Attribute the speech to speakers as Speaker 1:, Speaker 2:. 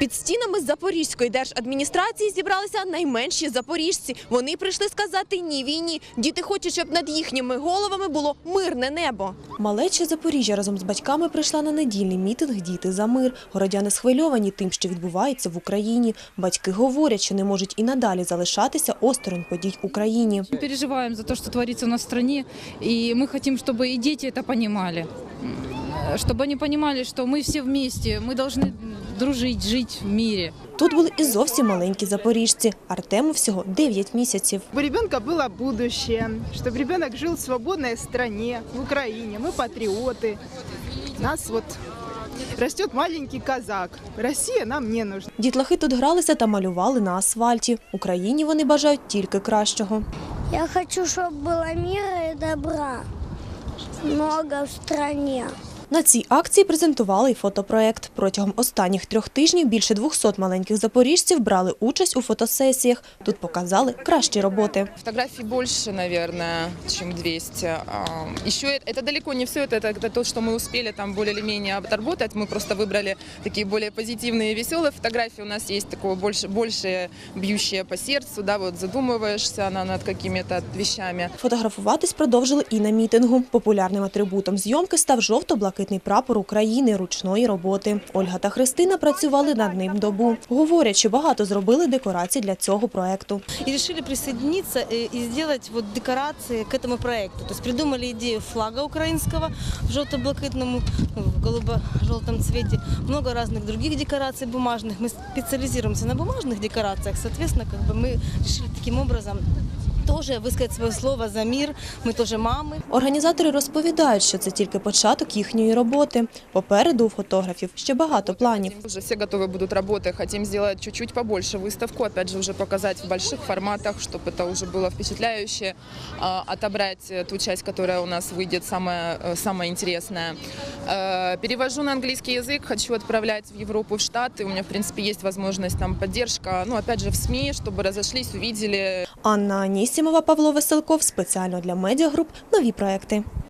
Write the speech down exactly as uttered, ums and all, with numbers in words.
Speaker 1: Під стінами Запорізької держадміністрації зібралися найменші запоріжці. Вони прийшли сказати «ні» війні. Діти хочуть, щоб над їхніми головами було мирне небо. Малеча Запоріжжя разом з батьками прийшла на недільний мітинг «Діти за мир». Городяни схвильовані тим, що відбувається в Україні. Батьки говорять, що не можуть і надалі залишатися осторонь подій в Україні.
Speaker 2: Ми переживаємо за те, що твориться у нас в країні, і ми хочемо, щоб і діти це розуміли. Щоб вони розуміли, що ми всі вместе, ми повинні дружити, жити в мирі.
Speaker 1: Тут були і зовсім маленькі запоріжці. Артему всього дев'ять місяців.
Speaker 3: Чтобы у ребенка было будущее, чтобы ребенок жил в свободной стране, в Украине. Мы патриоты. Нас вот растет маленький казак. Россия нам не нужна.
Speaker 1: Дітлахи тут гралися та малювали на асфальті. Україні вони бажають тільки кращого.
Speaker 4: Я хочу, чтобы было мира и добра много в стране.
Speaker 1: На цій акції презентували й фотопроект. Протягом останніх трьох тижнів більше двохсот маленьких запоріжців брали участь у фотосесіях. Тут показали кращі роботи.
Speaker 5: Фотографий больше, наверное, чем двести. Еще это далеко не все, это, это то, что мы успели там более или менее отработать. Мы просто выбрали такие более позитивные, веселые фотографии. У нас есть такое больше, больше бьющее по сердцу, да, вот задумываешься над какими-то вещами.
Speaker 1: Фотографуватись продовжили і на мітингу. Популярним атрибутом зйомки став жовто-блакитний прапор України ручної роботи. Ольга та Христина працювали над ним добу. Говорять, що багато зробили декорацій для цього проекту.
Speaker 6: И решили присоединиться и сделать вот декорации к этому проекту. То есть придумали идею флага украинского в желто-блакитном, в голубо-желтом цвете. Много разных других декораций бумажных. Мы специализируемся на бумажных декорациях. Соответственно, как бы мы решили таким образом тоже висказати своє слово за мир. Ми теж мами.
Speaker 1: Організатори розповідають, що це тільки початок їхньої роботи. Попереду у фотографів ще багато планів.
Speaker 5: Уже все готовы будут работы. Хотим сделать чуть-чуть побольше выставку, опять же, уже показать в больших форматах, чтобы это уже было впечатляюще, отобрать ту часть, которая у нас выйдет самая, самая интересная. Перевожу на английский язык, хочу отправлять в Европу, в Штаты. У меня, в принципе, есть возможность, там, поддержка, ну, опять же, в СМИ, чтобы разошлись, увидели.
Speaker 1: Анна Анісімова, Павло Веселков. Спеціально для медіагруп «Нові проекти».